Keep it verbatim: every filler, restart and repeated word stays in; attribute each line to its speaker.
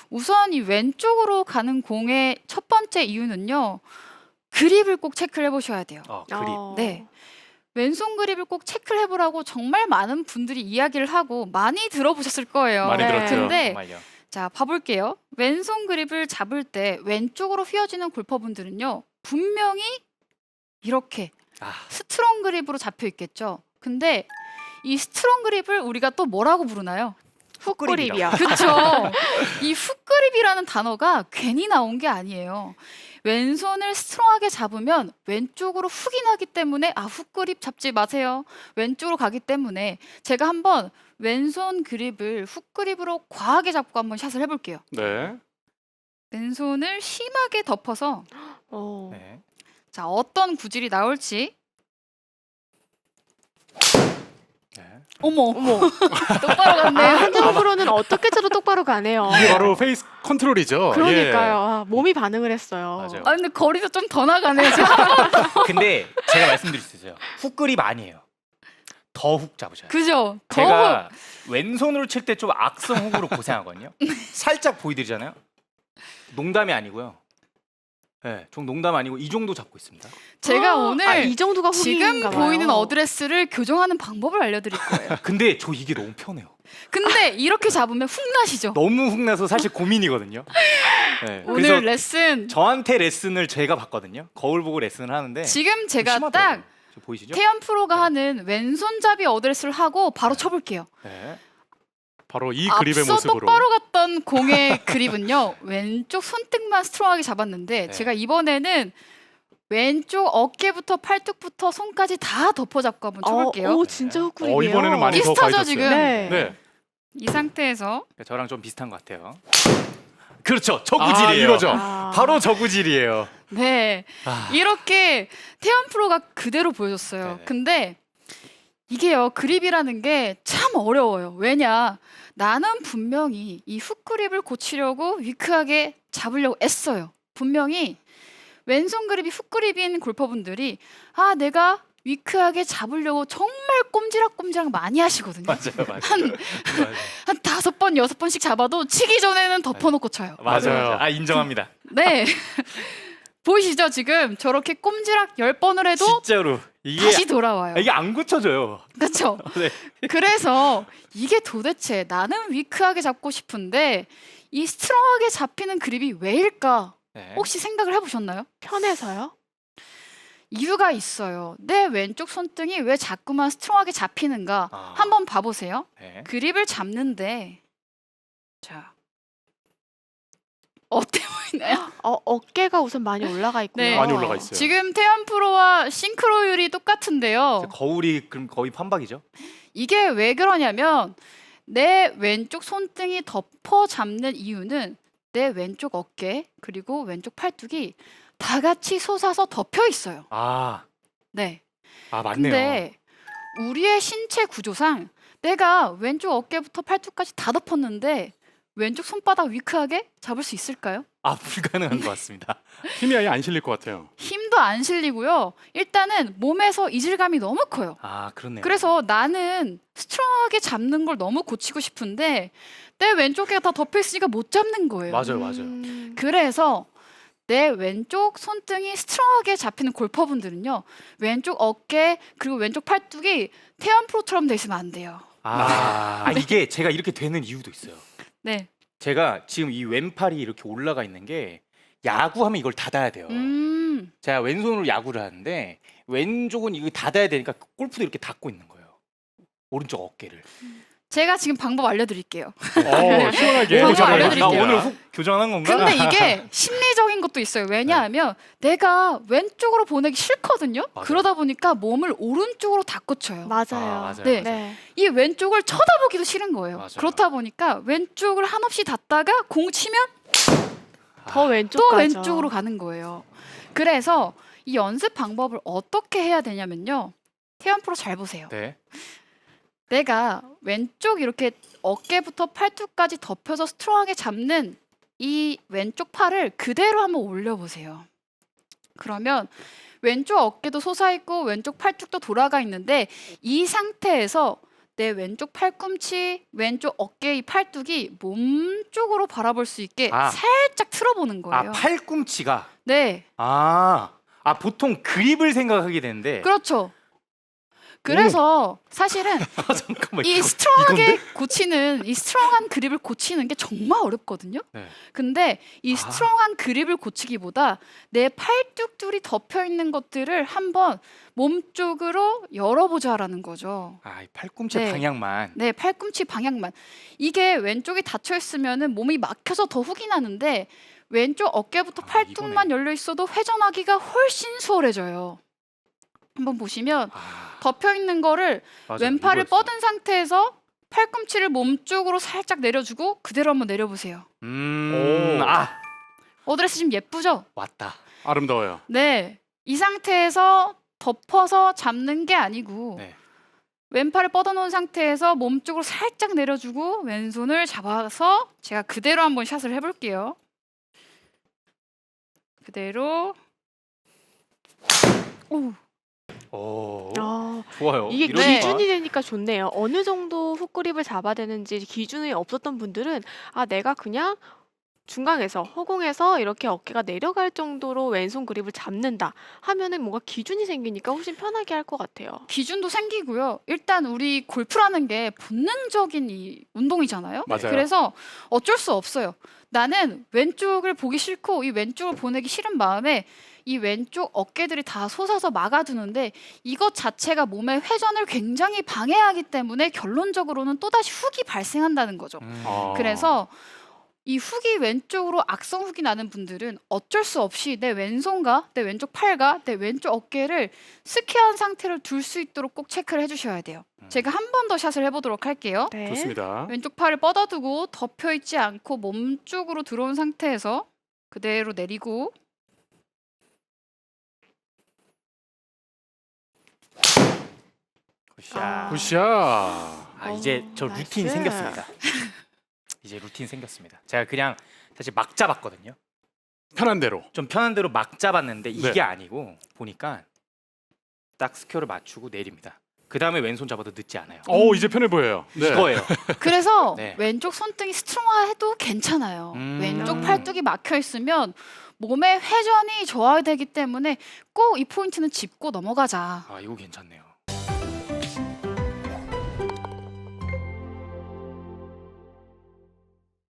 Speaker 1: 우선 이 왼쪽으로 가는 공의 첫 번째 이유는요. 그립을 꼭 체크를 해보셔야 돼요.
Speaker 2: 어, 그립.
Speaker 3: 어.
Speaker 1: 네. 왼손 그립을 꼭 체크를 해보라고 정말 많은 분들이 이야기를 하고 많이 들어보셨을 거예요.
Speaker 2: 많이
Speaker 3: 네.
Speaker 2: 들었죠.
Speaker 1: 근데
Speaker 2: 정말요.
Speaker 1: 자, 봐볼게요. 왼손 그립을 잡을 때 왼쪽으로 휘어지는 골퍼분들은요. 분명히 이렇게
Speaker 2: 아,
Speaker 1: 스트롱 그립으로 잡혀 있겠죠. 근데 이 스트롱 그립을 우리가 또 뭐라고 부르나요?
Speaker 3: 훅그립이요.
Speaker 1: 그렇죠. 이 훅그립이라는 단어가 괜히 나온 게 아니에요. 왼손을 스트롱하게 잡으면 왼쪽으로 훅이 나기 때문에 아 훅그립 잡지 마세요. 왼쪽으로 가기 때문에 제가 한번 왼손 그립을 훅그립으로 과하게 잡고 한번 샷을 해볼게요.
Speaker 4: 네.
Speaker 1: 왼손을 심하게 덮어서
Speaker 3: 어.
Speaker 2: 네.
Speaker 1: 자 어떤 구질이 나올지.
Speaker 2: 네.
Speaker 1: 어머
Speaker 3: 어머.
Speaker 1: 똑바로
Speaker 3: 아,
Speaker 1: 갔네요.
Speaker 3: 한정호 프로는 어떻게 쳐도 똑바로 가네요.
Speaker 4: 이게 바로 페이스 컨트롤이죠.
Speaker 3: 그러니까요. 아, 몸이 반응을 했어요.
Speaker 2: 맞아요.
Speaker 1: 아 근데 거리도 좀 더 나가네요. 지금.
Speaker 2: 근데 제가 말씀드릴 수 있어요. 훅 그립 아니에요. 더 훅 잡으셔야 돼요.
Speaker 1: 그죠? 더
Speaker 2: 제가 왼손으로 칠 때 좀 악성 훅으로 고생하거든요. 살짝 보이드리잖아요. 농담이 아니고요. 네, 좀 농담 아니고 이 정도 잡고 있습니다.
Speaker 1: 제가
Speaker 3: 아,
Speaker 1: 오늘
Speaker 3: 아, 이 정도가
Speaker 1: 지금
Speaker 3: 훅인가 봐요.
Speaker 1: 보이는 어드레스를 교정하는 방법을 알려드릴 거예요.
Speaker 2: 근데 저 이게 너무 편해요.
Speaker 1: 근데 이렇게 잡으면 훅 나시죠?
Speaker 2: 너무 훅 나서 사실 고민이거든요. 네,
Speaker 1: 오늘
Speaker 2: 그래서
Speaker 1: 레슨
Speaker 2: 저한테 레슨을 제가 받거든요. 거울 보고 레슨을 하는데
Speaker 1: 지금 제가
Speaker 2: 심하더라고요.
Speaker 1: 딱
Speaker 2: 저 보이시죠?
Speaker 1: 태연 프로가
Speaker 2: 네.
Speaker 1: 하는 왼손잡이 어드레스를 하고 바로 쳐볼게요.
Speaker 2: 네.
Speaker 4: 바로 이 그립의
Speaker 1: 앞서
Speaker 4: 모습으로.
Speaker 1: 똑바로 갔던 공의 그립은요. 왼쪽 손등만 스트롱하게 잡았는데
Speaker 2: 네.
Speaker 1: 제가 이번에는 왼쪽 어깨부터 팔뚝부터 손까지 다 덮어 잡고 한번 쳐볼게요.
Speaker 3: 어, 오, 진짜 훅그립이에요.
Speaker 4: 어, 이번에는 많이 더
Speaker 1: 비슷하죠,
Speaker 4: 가셨어요.
Speaker 1: 지금?
Speaker 3: 네.
Speaker 4: 네.
Speaker 1: 이 상태에서
Speaker 2: 저랑 좀 비슷한 것 같아요. 그렇죠. 저
Speaker 4: 아,
Speaker 2: 구질이에요.
Speaker 4: 이거죠.
Speaker 3: 아.
Speaker 2: 바로 저 구질이에요.
Speaker 1: 네
Speaker 2: 아,
Speaker 1: 이렇게 태연 프로가 그대로 보여줬어요.
Speaker 2: 네네.
Speaker 1: 근데 이게요 그립이라는 게 참 어려워요. 왜냐 나는 분명히 이 훅 그립을 고치려고 위크하게 잡으려고 애써요. 분명히 왼손 그립이 훅 그립인 골퍼분들이 아 내가 위크하게 잡으려고 정말 꼼지락꼼지락 많이 하시거든요.
Speaker 2: 맞아요, 맞아요.
Speaker 1: 한,
Speaker 2: 맞아요.
Speaker 1: 한 다섯 번 여섯 번씩 잡아도 치기 전에는 덮어놓고 쳐요.
Speaker 2: 맞아요.
Speaker 4: 맞아요.
Speaker 2: 맞아요. 아 인정합니다.
Speaker 1: 네. 보이시죠 지금 저렇게 꼼지락 열 번을 해도
Speaker 2: 진짜로 이게
Speaker 1: 다시 돌아와요.
Speaker 2: 이게 안 고쳐져요.
Speaker 1: 그렇죠.
Speaker 2: 네.
Speaker 1: 그래서 이게 도대체 나는 위크하게 잡고 싶은데 이 스트롱하게 잡히는 그립이 왜일까?
Speaker 2: 네.
Speaker 1: 혹시 생각을 해보셨나요?
Speaker 3: 편해서요?
Speaker 1: 이유가 있어요. 내 왼쪽 손등이 왜 자꾸만 스트롱하게 잡히는가?
Speaker 2: 아.
Speaker 1: 한번 봐보세요.
Speaker 2: 네.
Speaker 1: 그립을 잡는데 자 어때 보이나요?
Speaker 3: 어, 어깨가 우선 많이 올라가 있고요.
Speaker 1: 네.
Speaker 4: 많이 올라가 있어요.
Speaker 1: 지금 태연 프로와 싱크로율이 똑같은데요.
Speaker 2: 거울이 그럼 거의 판박이죠?
Speaker 1: 이게 왜 그러냐면 내 왼쪽 손등이 덮어 잡는 이유는 내 왼쪽 어깨 그리고 왼쪽 팔뚝이 다 같이 솟아서 덮여 있어요.
Speaker 2: 아,
Speaker 1: 네.
Speaker 4: 아 맞네요.
Speaker 1: 근데 우리의 신체 구조상 내가 왼쪽 어깨부터 팔뚝까지 다 덮었는데 왼쪽 손바닥 위크하게 잡을 수 있을까요?
Speaker 2: 아 불가능한 것 같습니다.
Speaker 4: 힘이 아예 안 실릴 것 같아요.
Speaker 1: 힘도 안 실리고요. 일단은 몸에서 이질감이 너무 커요.
Speaker 2: 아 그렇네요.
Speaker 1: 그래서 나는 스트롱하게 잡는 걸 너무 고치고 싶은데 내 왼쪽에 다 덮여 있으니까 못 잡는 거예요.
Speaker 2: 맞아요, 맞아요.
Speaker 3: 음.
Speaker 1: 그래서 내 왼쪽 손등이 스트롱하게 잡히는 골퍼분들은요. 왼쪽 어깨 그리고 왼쪽 팔뚝이 태연 프로처럼 돼 있으면 안 돼요.
Speaker 2: 아, 아 이게 제가 이렇게 되는 이유도 있어요.
Speaker 1: 네.
Speaker 2: 제가 지금 이 왼팔이 이렇게 올라가 있는 게 야구하면 이걸 닫아야 돼요.
Speaker 1: 음.
Speaker 2: 제가 왼손으로 야구를 하는데 왼쪽은 이거 닫아야 되니까 골프도 이렇게 닫고 있는 거예요. 오른쪽 어깨를.
Speaker 1: 제가 지금 방법 알려드릴게요.
Speaker 4: 어, 시원하게.
Speaker 1: 방법
Speaker 4: 교정을
Speaker 1: 알려드릴게요.
Speaker 2: 나
Speaker 4: 해주십니다.
Speaker 2: 오늘 훅 교정한 건가?
Speaker 1: 근데 이게 심리적인 것도 있어요. 왜냐하면 내가 왼쪽으로 보내기 싫거든요.
Speaker 2: 맞아요.
Speaker 1: 그러다 보니까 몸을 오른쪽으로 다 꽂혀요.
Speaker 3: 맞아요.
Speaker 2: 아, 맞아요.
Speaker 1: 네.
Speaker 3: 네.
Speaker 1: 이 왼쪽을 쳐다보기도 싫은 거예요.
Speaker 2: 맞아요.
Speaker 1: 그렇다 보니까 왼쪽을 한없이 닫다가 공 치면
Speaker 3: 더 왼쪽
Speaker 1: 또
Speaker 3: 가죠.
Speaker 1: 왼쪽으로 가는 거예요. 그래서 이 연습 방법을 어떻게 해야 되냐면요. 태연 프로 잘 보세요.
Speaker 2: 네.
Speaker 1: 내가 왼쪽 이렇게 어깨부터 팔뚝까지 덮여서 스트롱하게 잡는 이 왼쪽 팔을 그대로 한번 올려보세요. 그러면 왼쪽 어깨도 솟아있고 왼쪽 팔뚝도 돌아가 있는데 이 상태에서 내 왼쪽 팔꿈치, 왼쪽 어깨의 팔뚝이 몸 쪽으로 바라볼 수 있게
Speaker 2: 아.
Speaker 1: 살짝 틀어보는 거예요.
Speaker 2: 아 팔꿈치가
Speaker 1: 네,
Speaker 2: 아, 아 보통 그립을 생각하게 되는데
Speaker 1: 그렇죠. 그래서 사실은
Speaker 2: 아, 잠깐만
Speaker 1: 이
Speaker 2: 이거-
Speaker 1: 스트롱하게
Speaker 2: 이건데?
Speaker 1: 고치는 이 스트롱한 그립을 고치는 게 정말 어렵거든요.
Speaker 2: 네.
Speaker 1: 근데 이
Speaker 2: 아.
Speaker 1: 스트롱한 그립을 고치기보다 내 팔뚝줄이 덮여 있는 것들을 한번 몸 쪽으로 열어보자라는 거죠.
Speaker 2: 아, 이 팔꿈치
Speaker 1: 네.
Speaker 2: 방향만
Speaker 1: 네, 팔꿈치 방향만. 이게 왼쪽이 닫혀 있으면은 몸이 막혀서 더 훅이 나는데 왼쪽 어깨부터
Speaker 2: 아,
Speaker 1: 팔뚝만 열려 있어도 회전하기가 훨씬 수월해져요. 한번 보시면
Speaker 2: 아,
Speaker 1: 덮여 있는 거를
Speaker 2: 맞아요.
Speaker 1: 왼팔을
Speaker 2: 이거였어.
Speaker 1: 뻗은 상태에서 팔꿈치를 몸 쪽으로 살짝 내려주고 그대로 한번 내려보세요.
Speaker 2: 음,
Speaker 4: 오.
Speaker 2: 아
Speaker 1: 어드레스 지금 예쁘죠?
Speaker 2: 왔다.
Speaker 4: 아름다워요.
Speaker 1: 네, 이 상태에서 덮어서 잡는 게 아니고
Speaker 2: 네.
Speaker 1: 왼팔을 뻗어놓은 상태에서 몸 쪽으로 살짝 내려주고 왼손을 잡아서 제가 그대로 한번 샷을 해볼게요. 그대로. 오,
Speaker 2: 오,
Speaker 3: 아,
Speaker 2: 좋아요.
Speaker 3: 이게
Speaker 2: 이러니까.
Speaker 3: 기준이 되니까 좋네요. 어느 정도 훅그립을 잡아야 되는지 기준이 없었던 분들은 아 내가 그냥 중간에서 허공에서 이렇게 어깨가 내려갈 정도로 왼손 그립을 잡는다 하면은 뭔가 기준이 생기니까 훨씬 편하게 할 것 같아요.
Speaker 1: 기준도 생기고요. 일단 우리 골프라는 게 본능적인 이 운동이잖아요.
Speaker 4: 맞아요.
Speaker 1: 그래서 어쩔 수 없어요. 나는 왼쪽을 보기 싫고 이 왼쪽을 보내기 싫은 마음에 이 왼쪽 어깨들이 다 솟아서 막아두는데 이것 자체가 몸의 회전을 굉장히 방해하기 때문에 결론적으로는 또다시 훅이 발생한다는 거죠.
Speaker 2: 음.
Speaker 4: 아.
Speaker 1: 그래서 이 훅이 왼쪽으로 악성 훅이 나는 분들은 어쩔 수 없이 내 왼손과 내 왼쪽 팔과 내 왼쪽 어깨를 스퀘어한 상태로 둘 수 있도록 꼭 체크를 해주셔야 돼요.
Speaker 2: 음.
Speaker 1: 제가 한 번 더 샷을 해보도록 할게요.
Speaker 3: 네.
Speaker 4: 좋습니다.
Speaker 1: 왼쪽 팔을 뻗어두고 덮여 있지 않고 몸 쪽으로 들어온 상태에서 그대로 내리고
Speaker 2: 굿샷.
Speaker 3: 아.
Speaker 4: 굿샷.
Speaker 2: 아, 이제
Speaker 3: 오,
Speaker 2: 저 루틴이
Speaker 3: 나이스.
Speaker 2: 생겼습니다. 이제 루틴 생겼습니다. 제가 그냥 사실 막 잡았거든요.
Speaker 4: 편한 대로.
Speaker 2: 좀 편한 대로 막 잡았는데 이게
Speaker 4: 네.
Speaker 2: 아니고 보니까 딱 스퀘어를 맞추고 내립니다. 그 다음에 왼손 잡아도 늦지 않아요.
Speaker 4: 오 이제 편해 보여요. 네.
Speaker 2: 이거예요.
Speaker 1: 그래서
Speaker 2: 네.
Speaker 1: 왼쪽 손등이 스트롱해도 괜찮아요.
Speaker 2: 음.
Speaker 1: 왼쪽 팔뚝이 막혀 있으면 몸의 회전이 저하되기 때문에 꼭 이 포인트는 짚고 넘어가자.
Speaker 2: 아 이거 괜찮네요.